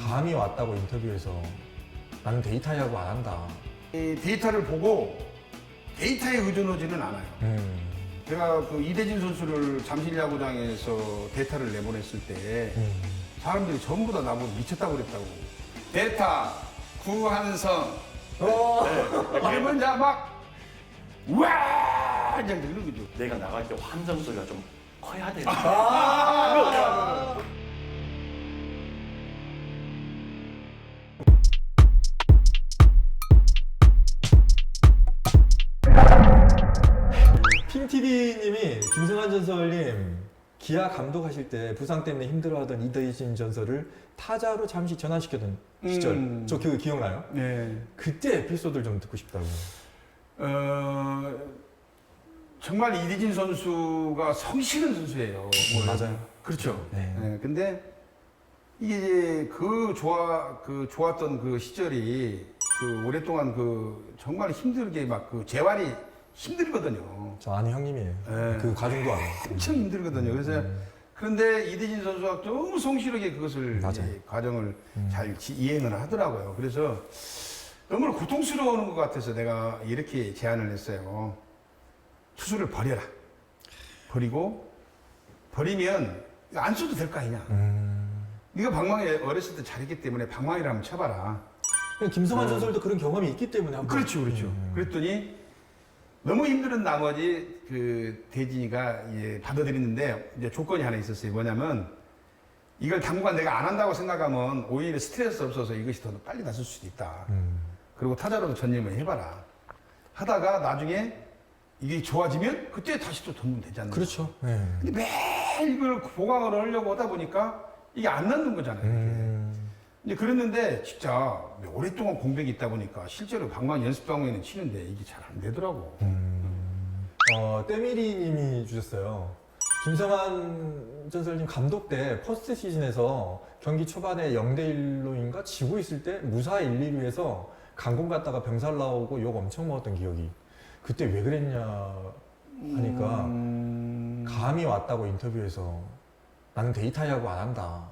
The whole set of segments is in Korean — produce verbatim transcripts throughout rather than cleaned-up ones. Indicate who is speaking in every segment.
Speaker 1: 감이 왔다고 인터뷰에서 나는 데이터 야구 안 한다.
Speaker 2: 이 데이터를 보고 데이터에 의존하지는 않아요.
Speaker 1: 음.
Speaker 2: 제가 그 이대진 선수를 잠실 야구장에서 데이터를 내보냈을 때
Speaker 1: 음.
Speaker 2: 사람들이 전부 다 나보고 미쳤다고 그랬다고. 데이터 구한성
Speaker 1: 어.
Speaker 2: 이러면 이제 막 우와 이제 이런 거죠.
Speaker 3: 내가 나갈 때 환성 소리가 좀 커야 돼.
Speaker 1: 아. 핑티비님이 김승환 전설님 기아 감독하실 때 부상 때문에 힘들어하던 이대진 전설을 타자로 잠시 전환시켰던 시절
Speaker 2: 음.
Speaker 1: 저 그 기억나요?
Speaker 2: 네.
Speaker 1: 그때 에피소드를 좀 듣고 싶다고.
Speaker 2: 어, 정말 이대진 선수가 성실한 선수예요.
Speaker 1: 음, 맞아요.
Speaker 2: 그렇죠.
Speaker 1: 네.
Speaker 2: 네, 근데 이게 이제 그 좋아 그 좋았던 그 시절이 그 오랫동안 그 정말 힘들게 막 그 재활이 힘들거든요.
Speaker 1: 저 아는 형님이에요.
Speaker 2: 네.
Speaker 1: 그 과정도 알아요.
Speaker 2: 엄청 힘들거든요. 그래서
Speaker 1: 음.
Speaker 2: 그런데 이대진 선수가 너무 성실하게 그것을
Speaker 1: 맞아요.
Speaker 2: 이제 과정을
Speaker 1: 음.
Speaker 2: 잘 지- 이행을 하더라고요. 그래서 너무 고통스러운 것 같아서 내가 이렇게 제안을 했어요. 투수를 버려라. 버리고 버리면 안 써도 될 거 아니냐.
Speaker 1: 음.
Speaker 2: 네가 방망이 어렸을 때 잘했기 때문에 방망이를 한번 쳐봐라.
Speaker 1: 김성환
Speaker 2: 음.
Speaker 1: 전설도 그런 경험이 있기 때문에 한번.
Speaker 2: 그렇죠, 그렇죠.
Speaker 1: 음.
Speaker 2: 그랬더니 너무 힘든 나머지 그 대진이가 이제 받아들이는데 이제 조건이 하나 있었어요. 뭐냐면 이걸 당분간 내가 안 한다고 생각하면 오히려 스트레스 없어서 이것이 더 빨리 났을 수도 있다.
Speaker 1: 음.
Speaker 2: 그리고 타자로도 전념을 해봐라. 하다가 나중에 이게 좋아지면 그때 다시 또 던지면 되지 않나.
Speaker 1: 그렇죠. 네.
Speaker 2: 근데 매일 이걸 보강을 하려고 하다 보니까 이게 안 낫는 거잖아요. 이게.
Speaker 1: 음.
Speaker 2: 이제 그랬는데 진짜 오랫동안 공백이 있다 보니까 실제로 방망이 연습 방망이는 치는데 이게 잘 안 되더라고.
Speaker 1: 음. 어, 때미리님이 주셨어요. 김성환 전설님 감독 때 퍼스트 시즌에서 경기 초반에 영 대 일로인가 지고 있을 때 무사 일, 이 루에서 강공 갔다가 병살 나오고 욕 엄청 먹었던 기억이. 그때 왜 그랬냐 하니까
Speaker 2: 음...
Speaker 1: 감이 왔다고 인터뷰에서 나는 데이터 야구 안 한다.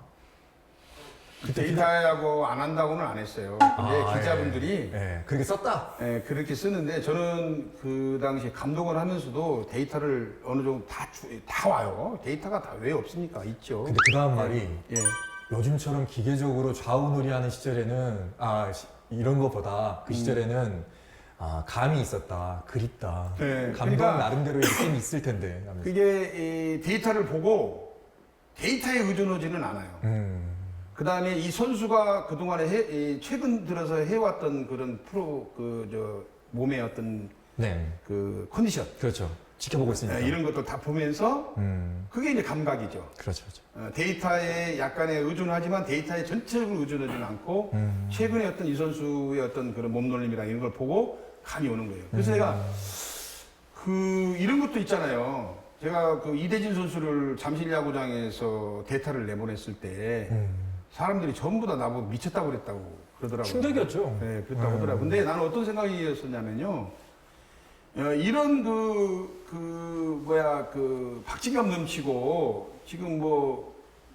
Speaker 2: 데이터하고 안 한다고는 안 했어요. 근데
Speaker 1: 아,
Speaker 2: 기자분들이
Speaker 1: 예. 예, 그렇게 썼다.
Speaker 2: 예, 그렇게 쓰는데 저는 그 당시 감독을 하면서도 데이터를 어느 정도 다, 주, 다 와요. 데이터가 다 왜 없습니까? 있죠.
Speaker 1: 근데 그 다음 말이
Speaker 2: 예.
Speaker 1: 요즘처럼 기계적으로 좌우놀이하는 시절에는 아 시- 이런 것보다 그 시절에는 아 감이 있었다, 그립다.
Speaker 2: 네,
Speaker 1: 감독
Speaker 2: 그러니까
Speaker 1: 나름대로의 느낌이 있을 텐데. 하면서.
Speaker 2: 그게 이 데이터를 보고 데이터에 의존하지는 않아요.
Speaker 1: 음,
Speaker 2: 그 다음에 이 선수가 그동안에 해, 이 최근 들어서 해왔던 그런 프로, 그, 저, 몸의 어떤
Speaker 1: 네,
Speaker 2: 그 컨디션.
Speaker 1: 그렇죠. 지켜보고 있으니까.
Speaker 2: 예, 이런 것도 다 보면서
Speaker 1: 음,
Speaker 2: 그게 이제 감각이죠.
Speaker 1: 그렇죠, 그렇죠.
Speaker 2: 어, 데이터에 약간의 의존하지만 데이터에 전체적으로 의존하지는 않고
Speaker 1: 음.
Speaker 2: 최근에 어떤 이 선수의 어떤 그런 몸놀림이랑 이런 걸 보고 감이 오는 거예요. 그래서 내가 그 이런 것도 있잖아요. 제가 그 이대진 선수를 잠실 야구장에서 데이터를 내보냈을 때
Speaker 1: 음.
Speaker 2: 사람들이 전부 다 나보고 미쳤다고 그랬다고 그러더라고요.
Speaker 1: 충격이었죠.
Speaker 2: 네, 그랬다고
Speaker 1: 음.
Speaker 2: 하더라고요. 근데 나는 어떤 생각이었었냐면요. 어, 이런 그, 그, 뭐야, 그, 박진감 넘치고, 지금 뭐,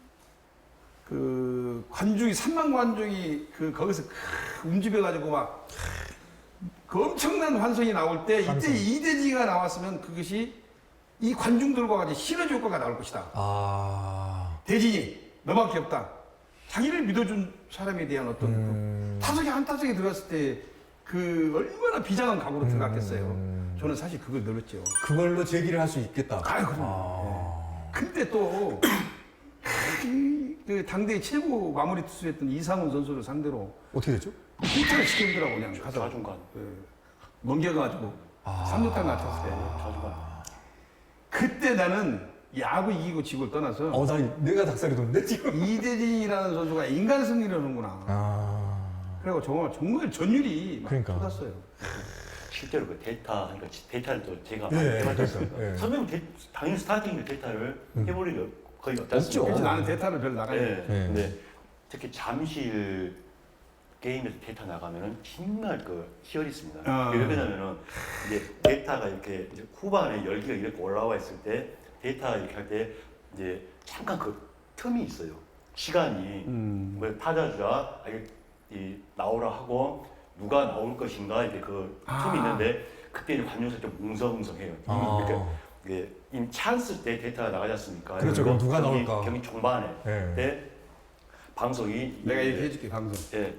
Speaker 2: 그, 관중이, 삼만 관중이 그, 거기서 크, 움직여가지고 막, 그 엄청난 환성이 나올 때,
Speaker 1: 환성.
Speaker 2: 이때 이대지가 나왔으면 그것이 이 관중들과 같이 시너지 효과가 나올 것이다.
Speaker 1: 아,
Speaker 2: 대진이, 너밖에 없다. 자기를 믿어준 사람에 대한 어떤
Speaker 1: 음.
Speaker 2: 그 타석에 한 타석에 들어갔을 때 그 얼마나 비장한 각오로 들어갔겠어요.
Speaker 1: 음.
Speaker 2: 저는 사실 그걸 늘었죠.
Speaker 1: 그걸로 제기를 할 수 있겠다.
Speaker 2: 아유, 그럼.
Speaker 1: 아.
Speaker 2: 근데 또, 그, 그 당대 최고 마무리 투수였던 이상훈 선수를 상대로
Speaker 1: 어떻게 됐죠?
Speaker 2: 히트를 시키더라고, 그냥 가서.
Speaker 3: 좌중간.
Speaker 2: 그, 넘겨가지고,
Speaker 1: 아.
Speaker 2: 삼 루탄 맞췄어요.
Speaker 3: 좌중간.
Speaker 2: 그때 나는 야구 이기고 지고를 떠나서
Speaker 1: 어, 나 내가 닭살이 돋는데 지금.
Speaker 2: 이대진이라는 선수가 인간 승리를 하는구나.
Speaker 1: 아,
Speaker 2: 그리고 정말, 정말 전율이 막
Speaker 1: 그러니까.
Speaker 2: 쏟았어요.
Speaker 3: 실제로 그 데이터 하니까 데이터를 또 제가
Speaker 1: 예,
Speaker 3: 해봤어요.
Speaker 1: 그러니까, 예.
Speaker 3: 선배님 데, 당연히 스타팅에 데이터를 해볼 일이 거의 없지
Speaker 1: 없죠.
Speaker 3: 않습니까?
Speaker 2: 그래서 나는 데이터를 별로 나가야
Speaker 3: 네.
Speaker 2: 돼.
Speaker 1: 네.
Speaker 3: 근데 특히 잠실 게임에서 데이터 나가면은 정말 그 희열이 있습니다.
Speaker 2: 아.
Speaker 3: 왜 그러냐면은 이제 데이터가 이렇게 이제 후반에 열기가 이렇게 올라와 있을 때 데이터 이렇게 할 때 이제 잠깐 그 틈이 있어요. 시간이
Speaker 2: 음.
Speaker 3: 뭐 타자주자 이 나오라 하고 누가 나올 것인가 이렇게 그
Speaker 2: 아.
Speaker 3: 틈이 있는데 그때 이제 관중석 좀 웅성웅성해요.
Speaker 1: 아.
Speaker 3: 그러니까 이게 이 찬스 때 데이터가 나가지 않습니까?
Speaker 1: 그렇죠. 그럼 누가
Speaker 3: 경기,
Speaker 1: 나올까?
Speaker 3: 경기 종반에
Speaker 1: 네.
Speaker 3: 때 방송이
Speaker 2: 내가
Speaker 3: 이-
Speaker 2: 얘기해줄게 방송.
Speaker 3: 예.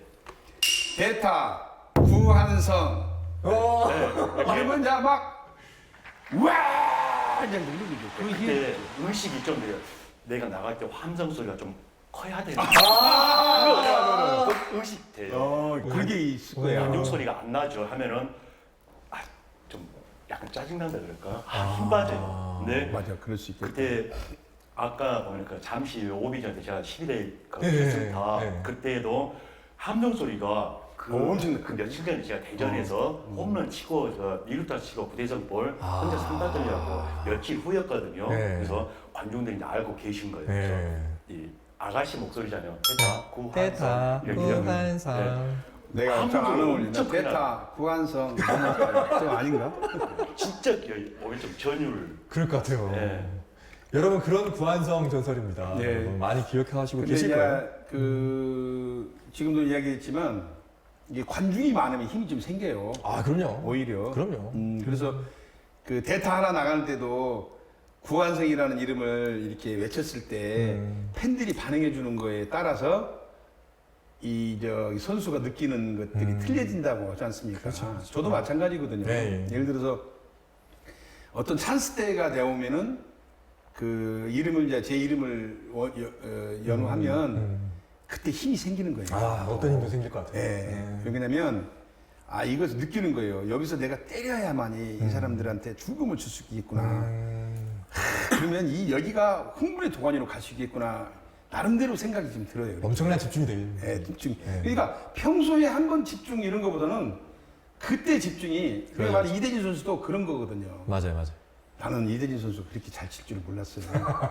Speaker 2: 대타 구한성
Speaker 1: 어.
Speaker 3: 네.
Speaker 2: 이러면 이제 막 와! 이제 누르는 거죠. 그 힘.
Speaker 3: 그때 의식이 좀 돼요. 내가 나갈 때 함성 소리가 좀 커야 되는
Speaker 1: 아.
Speaker 3: 그 의식 돼요.
Speaker 2: 어, 그게 있을 거야.
Speaker 3: 관중 소리가 안 나죠 하면은 아, 좀 약간 짜증난다 그럴까? 아, 힘 빠져요. 근데
Speaker 2: 맞아, 그럴 수 있겠다.
Speaker 3: 그때 아까 보니까 잠시 오비 전에 제가 십일 회 그
Speaker 1: 네,
Speaker 3: 결승타
Speaker 1: 네.
Speaker 3: 그때도 함성 소리가 그,
Speaker 2: 어, 엄청
Speaker 3: 그 며칠 전에 제가 대전에서
Speaker 2: 어.
Speaker 3: 홈런 치고 저 이루타 치고 구대성 볼
Speaker 1: 아.
Speaker 3: 혼자 삼바들려고 며칠 후였거든요.
Speaker 1: 네.
Speaker 3: 그래서 관중들이 이제 알고 계신 거예요. 그래서
Speaker 1: 네.
Speaker 3: 이 아가씨 목소리잖아요. 테타 구한성
Speaker 1: 테타
Speaker 3: 이렇게 하면, 네.
Speaker 1: 구한상.
Speaker 2: 내가
Speaker 3: 함성
Speaker 2: 잘안
Speaker 3: 소리
Speaker 2: 어울린다.
Speaker 3: 엄청
Speaker 2: 대타 구한성 좀 아닌가?
Speaker 3: 진짜 오히려 좀 전율.
Speaker 1: 그럴 것 같아요.
Speaker 3: 네.
Speaker 1: 여러분 그런 구한성 전설입니다.
Speaker 2: 네.
Speaker 1: 여러분 많이 기억하시고
Speaker 2: 근데
Speaker 1: 계실
Speaker 2: 이제
Speaker 1: 거예요.
Speaker 2: 그 지금도 이야기했지만 이게 관중이 많으면 힘이 좀 생겨요.
Speaker 1: 아 그럼요.
Speaker 2: 오히려.
Speaker 1: 그럼요.
Speaker 2: 음, 그래서 그 대타 하나 나가는 때도 구한성이라는 이름을 이렇게 외쳤을 때
Speaker 1: 음.
Speaker 2: 팬들이 반응해 주는 거에 따라서 이 저 선수가 느끼는 것들이
Speaker 1: 음.
Speaker 2: 틀려진다고 하지 않습니까?
Speaker 1: 그렇죠, 그렇죠.
Speaker 2: 저도 마찬가지거든요.
Speaker 1: 네, 예.
Speaker 2: 예를 들어서 어떤 찬스 때가 되오면은 그 이름을 이제 제 이름을 워- 여- 어, 연호하면
Speaker 1: 음.
Speaker 2: 그때 힘이 생기는 거예요.
Speaker 1: 아 어떤 힘도 생길 것 같아요.
Speaker 2: 예.
Speaker 1: 네.
Speaker 2: 왜냐면 아 이것을 느끼는 거예요. 여기서 내가 때려야만이
Speaker 1: 음.
Speaker 2: 이 사람들한테 죽음을 줄 수 있겠구나.
Speaker 1: 음.
Speaker 2: 그러면 이 여기가 흥분의 도가니로 갈 수 있겠구나. 나름대로 생각이 좀 들어요.
Speaker 1: 엄청난 집중이 되요
Speaker 2: 예, 집중.
Speaker 1: 예.
Speaker 2: 그러니까 평소에 한 번 집중 이런 거보다는 그때 집중이.
Speaker 1: 그렇죠.
Speaker 2: 그러니까 말이 이대진 선수도 그런 거거든요.
Speaker 1: 맞아요, 맞아요.
Speaker 2: 나는 이대진 선수 그렇게 잘 칠 줄 몰랐어요.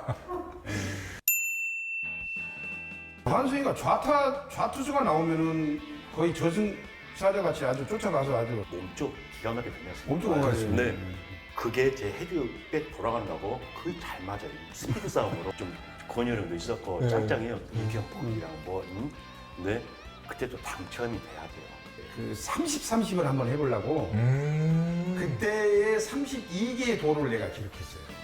Speaker 2: 한승이가 좌타 좌투수가 나오면은 거의 저승사자 같이 아주 쫓아가서 아주
Speaker 3: 몸쪽 기가 막히게 던졌어요.
Speaker 2: 엄청 건강했어요.
Speaker 3: 네. 그게 제 헤드백 돌아간다고 그게 잘 맞아요. 스피드 싸움으로 좀 권유력도 있었고
Speaker 1: 네.
Speaker 3: 짱짱해요. 이경 폭이랑 뭐. 음? 근데 그때 또 당첨이 돼야 돼요.
Speaker 2: 그 삼십, 삼십을 한번 해보려고
Speaker 1: 음.
Speaker 2: 그때의 삼십이 개의 도를 내가 기록했어요.